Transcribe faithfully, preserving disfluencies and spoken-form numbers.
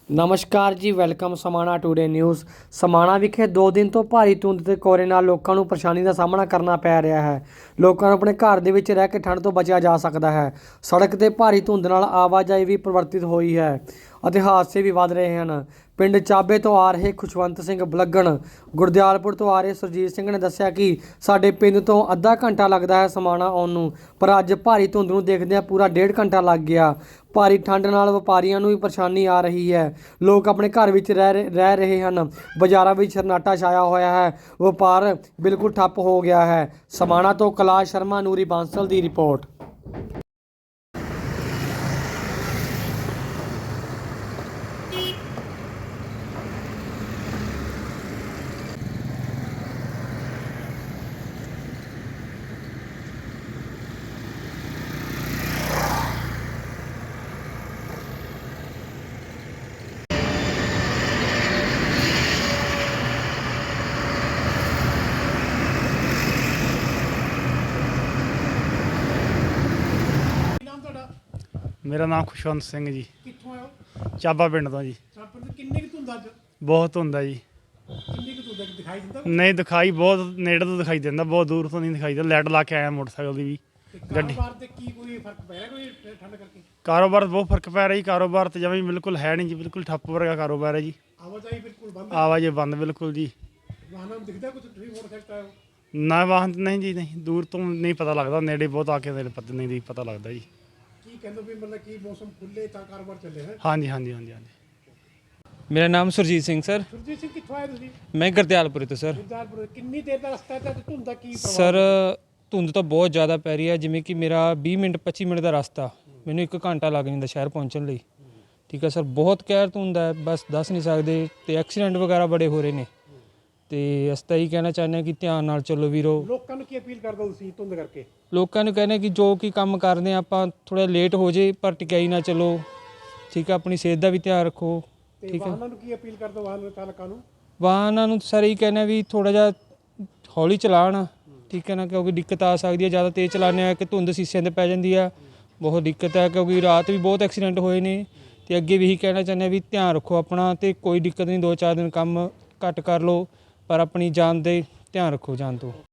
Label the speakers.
Speaker 1: ਨਮਸਕਾਰ ਜੀ, welcome Samana today news. Samana ਵਿਖੇ ਦੋ ਦਿਨ ਤੋਂ ਭਾਰੀ ਧੁੰਦ ਤੇ ਕੋਰੇ ਨਾਲ ਲੋਕਾਂ ਨੂੰ ਪਰੇਸ਼ਾਨੀ ਦਾ ਸਾਹਮਣਾ ਕਰਨਾ ਪੈ ਰਿਹਾ ਹੈ। ਲੋਕਾਂ ਨੂੰ ਆਪਣੇ ਘਰ ਦੇ ਵਿੱਚ ਰਹਿ ਕੇ ਠੰਡ ਤੋਂ ਬਚਿਆ ਜਾ ਸਕਦਾ ਹੈ। ਸੜਕ ਤੇ ਭਾਰੀ ਧੁੰਦ ਨਾਲ ਆਵਾਜਾਈ ਵੀ ਪ੍ਰਵਰਤਿਤ ਹੋਈ ਹੈ ਅਤੇ ਹਾਦਸੇ ਵੀ ਵੱਧ ਰਹੇ ਹਨ। ਪਿੰਡ ਚਾਬੇ ਤੋਂ ਆ ਰਹੇ ਖੁਸ਼ਵੰਤ ਸਿੰਘ ਬਲਗਣ, ਗੁਰਦਿਆਲਪੁਰ ਤੋਂ ਆ ਰਹੇ ਸੁਰਜੀਤ ਸਿੰਘ ਨੇ ਦੱਸਿਆ ਕਿ ਸਾਡੇ ਪਿੰਡ ਤੋਂ ਅੱਧਾ ਘੰਟਾ ਲੱਗਦਾ ਹੈ ਸਮਾਣਾ ਆਉਣ ਨੂੰ, ਪਰ ਅੱਜ ਭਾਰੀ ਧੁੰਦ ਨੂੰ ਦੇਖਦਿਆਂ ਪੂਰਾ ਡੇਢ ਘੰਟਾ ਲੱਗ ਗਿਆ। ਭਾਰੀ ਠੰਡ ਨਾਲ ਵਪਾਰੀਆਂ ਨੂੰ ਵੀ ਪਰੇਸ਼ਾਨੀ ਆ ਰਹੀ ਹੈ। ਲੋਕ ਆਪਣੇ ਘਰ ਵਿੱਚ ਰਹਿ ਰਹਿ ਰਹੇ ਹਨ। ਬਾਜ਼ਾਰਾਂ ਵਿੱਚ ਸਰਨਾਟਾ ਛਾਇਆ ਹੋਇਆ ਹੈ। ਵਪਾਰ ਬਿਲਕੁਲ ਠੱਪ ਹੋ ਗਿਆ ਹੈ। ਸਮਾਣਾ ਤੋਂ ਕੈਲਾਸ਼ ਸ਼ਰਮਾ, ਨੂਰੀ ਬਾਂਸਲ ਦੀ ਰਿਪੋਰਟ।
Speaker 2: मेरा नाम खुशवंत सिंह जी,
Speaker 3: ਕਿੱਥੋਂ ਆਇਓ?
Speaker 2: चाबा पिंड तो जी।
Speaker 3: ਚਾਪੜ ਤੇ ਕਿੰਨੇ ਕੁ ਧੁੰਦ ਅੱਜ?
Speaker 2: बहुत धुंद है जी।
Speaker 3: ਕਿੰਨੀ ਕੁ ਧੁੰਦ ਹੈ? ਦਿਖਾਈ ਦਿੰਦਾ?
Speaker 2: नहीं दिखाई, बहुत नेड़े तो दिखाई देता, बहुत दूर तो नहीं दिखाई देता। लाइट ला के आया मोटरसाइकिल की भी।
Speaker 3: ਤੇ
Speaker 2: ਗੱਡੀ
Speaker 3: ਕਾਰੋਬਾਰ ਤੇ ਕੀ ਕੋਈ ਫਰਕ ਪੈ ਰਿਹਾ ਕੋਈ ਠੰਡ ਕਰਕੇ?
Speaker 2: कारोबार बहुत फर्क पै रहा जी। कारोबार तो जमी बिल्कुल है नहीं जी, बिल्कुल ठप्प वर्गा कारोबार है जी।
Speaker 3: ਆਵਾਜਾਈ ਬਿਲਕੁਲ ਬੰਦ ਹੈ।
Speaker 2: आवाजाही बंद बिल्कुल जी।
Speaker 3: ਵਾਹਨਾਂ ਨੂੰ ਦਿਖਦਾ ਕੁਝ? ਤੁਸੀਂ ਮੋਟਰਸਾਈਕਲ ਆਇਓ?
Speaker 2: ना वाहन नहीं जी, नहीं दूर तो नहीं पता लगता, नेड़े बहुत आके नेड़े पता नहीं पता लगता जी।
Speaker 3: ਕੀ ਕਹਿੰਦੇ ਵੀ ਮਤਲਬ ਕੀ ਮੌਸਮ ਖੁੱਲੇ ਤਾਂ ਕਾਰੋਬਾਰ ਚੱਲੇ ਹੈ?
Speaker 2: हाँ जी, हाँ जी, हाँ जी, हाँ जी।
Speaker 4: ਮੇਰਾ ਨਾਮ ਸੁਰਜੀਤ ਸਿੰਘ ਸਰ।
Speaker 3: ਸੁਰਜੀਤ ਸਿੰਘ ਕਿੱਥੋਂ ਆਏ ਤੁਸੀਂ?
Speaker 4: ਮੈਂ ਗੁਰਦਿਆਲਪੁਰ ਤੋਂ ਸਰ।
Speaker 3: ਗੁਰਦਾਸਪੁਰ। ਕਿੰਨੀ ਦੇਰ ਦਾ ਰਸਤਾ ਹੈ ਤੇ ਧੁੰਦ ਦਾ ਕੀ ਪ੍ਰਭਾਵ?
Speaker 4: ਸਰ ਧੁੰਦ ਤਾਂ ਬਹੁਤ ਜ਼ਿਆਦਾ ਪੈ ਰਹੀ ਹੈ। ਜਿਵੇਂ ਕਿ ਮੇਰਾ ਵੀਹ ਮਿੰਟ ਪੱਚੀ ਮਿੰਟ ਦਾ ਰਸਤਾ, ਮੈਨੂੰ ਇੱਕ ਘੰਟਾ ਲੱਗ ਜਾਂਦਾ ਸ਼ਹਿਰ ਪਹੁੰਚਣ ਲਈ। ਠੀਕ ਹੈ ਸਰ, ਬਹੁਤ ਕਹਿਰ ਧੁੰਦ ਹੈ, ਬਸ ਦੱਸ ਨਹੀਂ ਸਕਦੇ। ਤੇ ਐਕਸੀਡੈਂਟ ਵਗੈਰਾ ਬੜੇ ਹੋ ਰਹੇ ਨੇ। ਤੇ ਅਸੀਂ ਤਾਂ ਇਹੀ ਕਹਿਣਾ ਚਾਹੁੰਦੇ ਹਾਂ ਕਿ ਧਿਆਨ ਨਾਲ ਚੱਲੋ ਵੀਰੋ।
Speaker 3: ਲੋਕਾਂ ਨੂੰ ਕੀ ਅਪੀਲ ਕਰਦੇ ਹੋ ਤੁਸੀਂ ਧੁੰਦ ਕਰਕੇ?
Speaker 4: ਲੋਕਾਂ ਨੂੰ ਕਹਿੰਦੇ ਕਿ ਜੋ ਕਿ ਕੰਮ ਕਰਦੇ ਆ ਆਪਾਂ, ਥੋੜਾ ਲੇਟ ਹੋ ਜੇ ਪਰ ਟਿਕਾਈ ਨਾ ਚੱਲੋ। ਠੀਕ ਹੈ, ਆਪਣੀ ਸਿਹਤ ਦਾ ਵੀ ਧਿਆਨ ਰੱਖੋ।
Speaker 3: ਤੇ
Speaker 4: ਠੀਕ ਹੈ,
Speaker 3: ਵਾਹਨਾਂ ਨੂੰ ਕੀ ਅਪੀਲ ਕਰਦੇ ਹੋ ਵਾਹਨ ਚਾਲਕਾਂ ਨੂੰ?
Speaker 4: ਵਾਹਨਾਂ ਨੂੰ ਸਰ ਇਹੀ ਕਹਿੰਦੇ ਵੀ ਥੋੜਾ ਜਿਹਾ ਹੌਲੀ ਚਲਾਉਣ। ਠੀਕ ਹੈ ਨਾ, ਕਿਉਂਕਿ ਦਿੱਕਤ ਆ ਸਕਦੀ ਹੈ। ਜ਼ਿਆਦਾ ਤੇਜ਼ ਚਲਾਉਂਦੇ ਆ ਕਿ ਧੁੰਦ ਸੀਸਿਆਂ 'ਤੇ ਪੈ ਜਾਂਦੀ ਆ, ਬਹੁਤ ਦਿੱਕਤ ਹੈ। ਕਿਉਂਕਿ ਰਾਤ ਵੀ ਬਹੁਤ ਐਕਸੀਡੈਂਟ ਹੋਏ ਨੇ। ਤੇ ਅੱਗੇ ਵੀ ਇਹੀ ਕਹਿਣਾ ਚਾਹੁੰਦੇ ਆ ਵੀ ਧਿਆਨ ਰੱਖੋ ਆਪਣਾ। ਤੇ ਕੋਈ ਦਿੱਕਤ ਨਹੀਂ, ਦੋ ਚਾਰ ਦਿਨ ਕੰਮ ਘੱਟ ਕਰ ਲਓ ਪਰ ਆਪਣੀ ਜਾਨ ਦੇ ਧਿਆਨ ਰੱਖੋ ਜਾਨ ਤੋਂ।